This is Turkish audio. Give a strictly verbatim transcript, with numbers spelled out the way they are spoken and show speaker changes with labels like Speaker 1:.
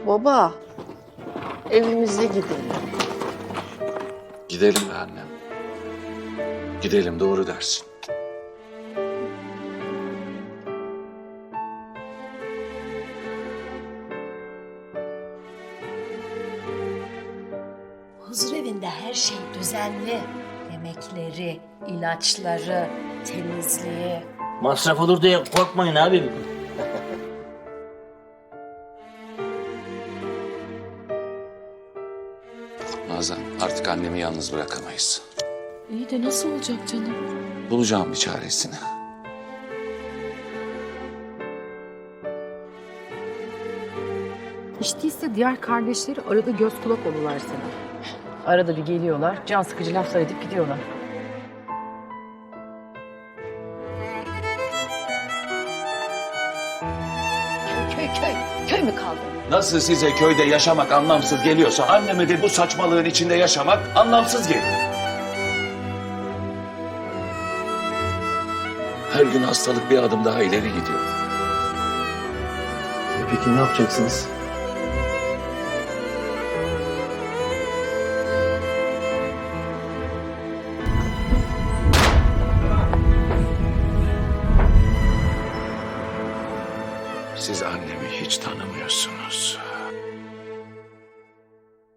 Speaker 1: Baba, evimize gidelim.
Speaker 2: Gidelim be annem. Gidelim, doğru dersin.
Speaker 3: Huzur evinde her şey düzenli. Yemekleri, ilaçları, temizliği.
Speaker 4: Masraf olur diye korkmayın abim.
Speaker 2: Nazan, artık annemi yalnız bırakamayız.
Speaker 5: İyi de nasıl olacak canım?
Speaker 2: Bulacağım bir çaresini.
Speaker 5: Hiç değilse diğer kardeşleri arada göz kulak olurlar sana. Arada bir geliyorlar, can sıkıcı laflar edip gidiyorlar.
Speaker 3: Köy köy, köy mü kaldı?
Speaker 2: Nasıl size köyde yaşamak anlamsız geliyorsa anneme de bu saçmalığın içinde yaşamak anlamsız geliyor. Her gün hastalık bir adım daha ileri gidiyor.
Speaker 4: E peki ne yapacaksınız?
Speaker 2: Siz annemi hiç tanımıyorsunuz.